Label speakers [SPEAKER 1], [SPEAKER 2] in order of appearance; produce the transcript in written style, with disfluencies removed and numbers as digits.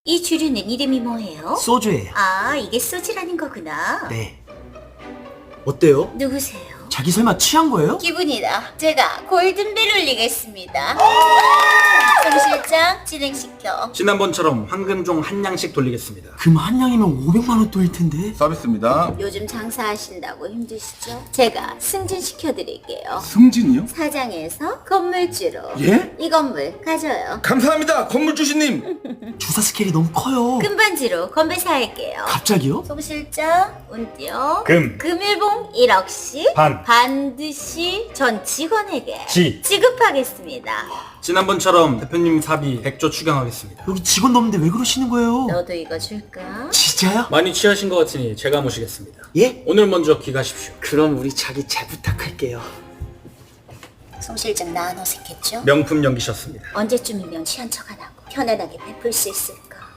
[SPEAKER 1] 이 주류는 이름이 뭐예요?
[SPEAKER 2] 소주예요.
[SPEAKER 1] 아, 이게 소주라는 거구나.
[SPEAKER 2] 네. 어때요?
[SPEAKER 1] 누구세요?
[SPEAKER 2] 자기 설마 취한 거예요?
[SPEAKER 1] 기분이다. 제가 골든벨 울리겠습니다. 송 실장 진행시켜.
[SPEAKER 3] 지난번처럼 황금종 한 양씩 돌리겠습니다.
[SPEAKER 2] 금 한 양이면 500만 원 또일 텐데.
[SPEAKER 4] 서비스입니다.
[SPEAKER 1] 요즘 장사하신다고 힘드시죠? 제가 승진시켜드릴게요.
[SPEAKER 4] 승진이요?
[SPEAKER 1] 사장에서 건물주로.
[SPEAKER 4] 예?
[SPEAKER 1] 이 건물 가져요.
[SPEAKER 4] 감사합니다, 건물주신님.
[SPEAKER 2] 주사 스케일이 너무 커요.
[SPEAKER 1] 금반지로 건배 사할게요.
[SPEAKER 2] 갑자기요?
[SPEAKER 1] 송 실장 운띄요.
[SPEAKER 3] 금.
[SPEAKER 1] 금일봉 1억씩
[SPEAKER 3] 반.
[SPEAKER 1] 반드시 전 직원에게
[SPEAKER 3] 지.
[SPEAKER 1] 지급하겠습니다.
[SPEAKER 3] 지난번처럼 대표님 사비 100조 추경하겠습니다.
[SPEAKER 2] 여기 직원 넘는데 왜 그러시는 거예요?
[SPEAKER 1] 너도 이거 줄까?
[SPEAKER 2] 진짜요?
[SPEAKER 3] 많이 취하신 것 같으니 제가 모시겠습니다.
[SPEAKER 2] 예?
[SPEAKER 3] 오늘 먼저 귀가십시오.
[SPEAKER 2] 그럼 우리 자기 잘 부탁할게요.
[SPEAKER 1] 송 실장 나 안 어색했죠?
[SPEAKER 3] 명품 연기셨습니다.
[SPEAKER 1] 언제쯤이면 취한 척 안 하고 편안하게 베풀 수 있을까?